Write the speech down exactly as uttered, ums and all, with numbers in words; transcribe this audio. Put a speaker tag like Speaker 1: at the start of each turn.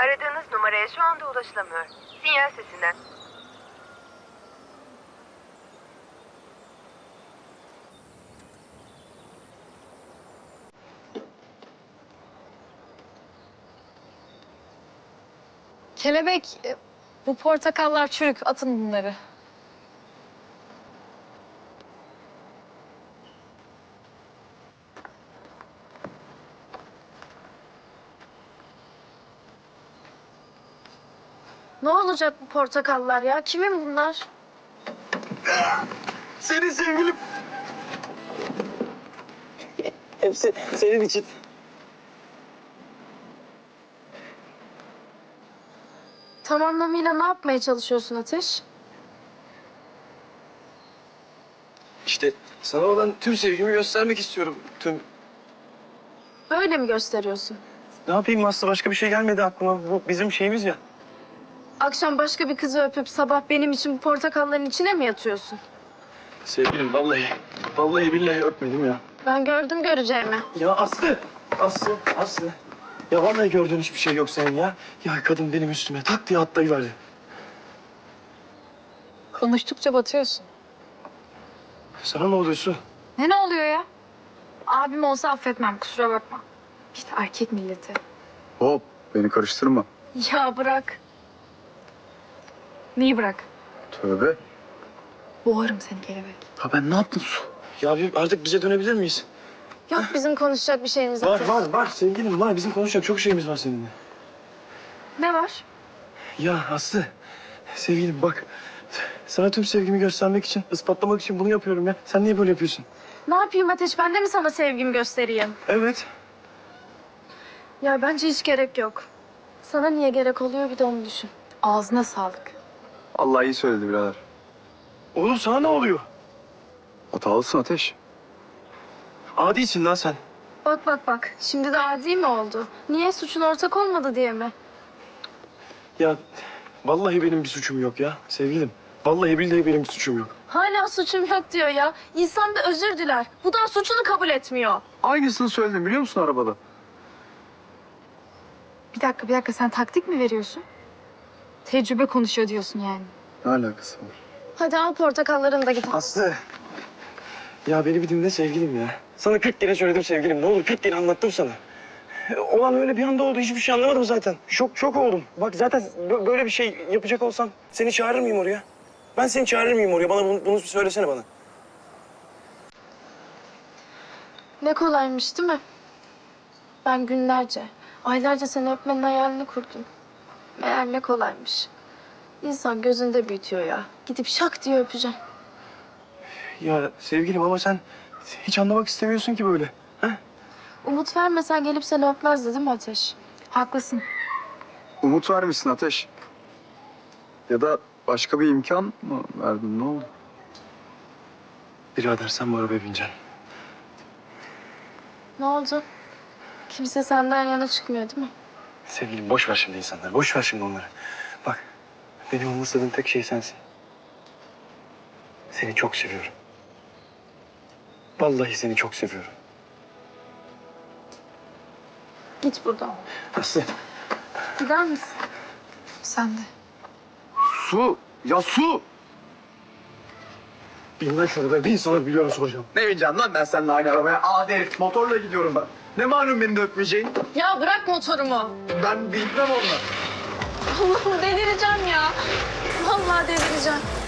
Speaker 1: Aradığınız numaraya şu anda ulaşılamıyor. Sinyal sesinden.
Speaker 2: Kelebek, e, bu portakallar çürük. Atın bunları. Ne olacak bu portakallar ya? Kimin bunlar?
Speaker 3: Senin sevgilim. Hepsi senin için.
Speaker 2: Tam anlamıyla ne yapmaya çalışıyorsun Ateş?
Speaker 3: İşte sana olan tüm sevgimi göstermek istiyorum. Tüm...
Speaker 2: Böyle mi gösteriyorsun?
Speaker 3: Ne yapayım Aslı? Başka bir şey gelmedi aklıma. Bu bizim şeyimiz ya.
Speaker 2: Akşam başka bir kızı öpüp sabah benim için bu portakalların içine mi yatıyorsun?
Speaker 3: Sevgilim vallahi, vallahi billahi öpmedim ya.
Speaker 2: Ben gördüm göreceğimi.
Speaker 3: Ya Aslı, Aslı, Aslı. Ya vallahi gördüğün hiçbir şey yok senin ya. Ya kadın benim üstüme tak diye atlayıverdi.
Speaker 2: Konuştukça batıyorsun.
Speaker 3: Sana ne oluyor Su?
Speaker 2: Ne ne oluyor ya? Abim olsa affetmem, kusura bakma. İşte erkek milleti.
Speaker 4: Hop, beni karıştırma.
Speaker 2: Ya bırak. Neyi bırak?
Speaker 4: Tövbe.
Speaker 2: Boğarım seni kelebek.
Speaker 4: Ha ben ne yaptım Su?
Speaker 3: Ya bir artık bize dönebilir miyiz?
Speaker 2: Yok bizim konuşacak bir şeyimiz
Speaker 3: Var,
Speaker 2: yok.
Speaker 3: var, var sevgilim var. Bizim konuşacak çok şeyimiz var seninle.
Speaker 2: Ne var?
Speaker 3: Ya Aslı, sevgilim bak. Sana tüm sevgimi göstermek için, ispatlamak için bunu yapıyorum ya. Sen niye böyle yapıyorsun?
Speaker 2: Ne yapayım Ateş? Ben de mi sana sevgimi göstereyim?
Speaker 3: Evet.
Speaker 2: Ya bence hiç gerek yok. Sana niye gerek oluyor bir de onu düşün. Ağzına sağlık.
Speaker 4: Allah iyi söyledi birader.
Speaker 3: Oğlum sana ne oluyor?
Speaker 4: Hatalısın Ateş.
Speaker 3: Adisin lan sen.
Speaker 2: Bak bak bak. Şimdi de adi mi oldu? Niye? Suçun ortak olmadı diye mi?
Speaker 3: Ya vallahi benim bir suçum yok ya sevgilim. Vallahi billahi benim bir suçum yok.
Speaker 2: Hala suçum yok diyor ya. İnsan bir özür diler. Bu da suçunu kabul etmiyor.
Speaker 4: Aynısını söyledim biliyor musun arabada?
Speaker 2: Bir dakika bir dakika sen taktik mi veriyorsun? Tecrübe konuşuyor diyorsun yani.
Speaker 4: Ne alakası var?
Speaker 2: Hadi al portakallarını da git.
Speaker 3: Aslı. Ya beni bir dinle sevgilim ya. Sana kırk kere söyledim sevgilim. Ne olur kırk kere anlattım sana. E, Olan öyle bir anda oldu. Hiçbir şey anlamadım zaten. Şok şok oldum. Bak zaten bö- böyle bir şey yapacak olsam seni çağırır mıyım oraya? Ben seni çağırır mıyım oraya? Bana bunu, bunu söylesene bana.
Speaker 2: Ne kolaymış değil mi? Ben günlerce, aylarca seni öpmenin hayalini kurdum. Meğer ne kolaymış. İnsan gözünde büyütüyor ya. Gidip şak diye öpeceğim.
Speaker 3: Ya sevgilim ama sen hiç anlamak istemiyorsun ki böyle. Ha?
Speaker 2: Umut vermesen gelip seni öpmezdi değil mi Ateş? Haklısın.
Speaker 4: Umut vermişsin Ateş. Ya da başka bir imkan mı verdin ne oldu?
Speaker 3: Birader sen bu arabaya bineceksin.
Speaker 2: Ne oldu? Kimse senden yana çıkmıyor değil mi?
Speaker 3: Sevgilim boş ver şimdi insanları. Boş ver şimdi onları. Bak benim umursadığım tek şey sensin. Seni çok seviyorum. Vallahi seni çok seviyorum.
Speaker 2: Git buradan.
Speaker 3: Aslı.
Speaker 2: Gider misin? Sen de.
Speaker 4: Su! Ya Su!
Speaker 3: Bin lan şurada. Bin sana biliyorum soracağım.
Speaker 4: Ne bineceğim lan ben seninle aynı arabaya? Adi herif motorla gidiyorum ben. Ne malum beni de öpmeyeceğin?
Speaker 2: Ya bırak motorumu.
Speaker 4: Ben bilmem onunla.
Speaker 2: Allah'ım delireceğim ya. Vallahi delireceğim.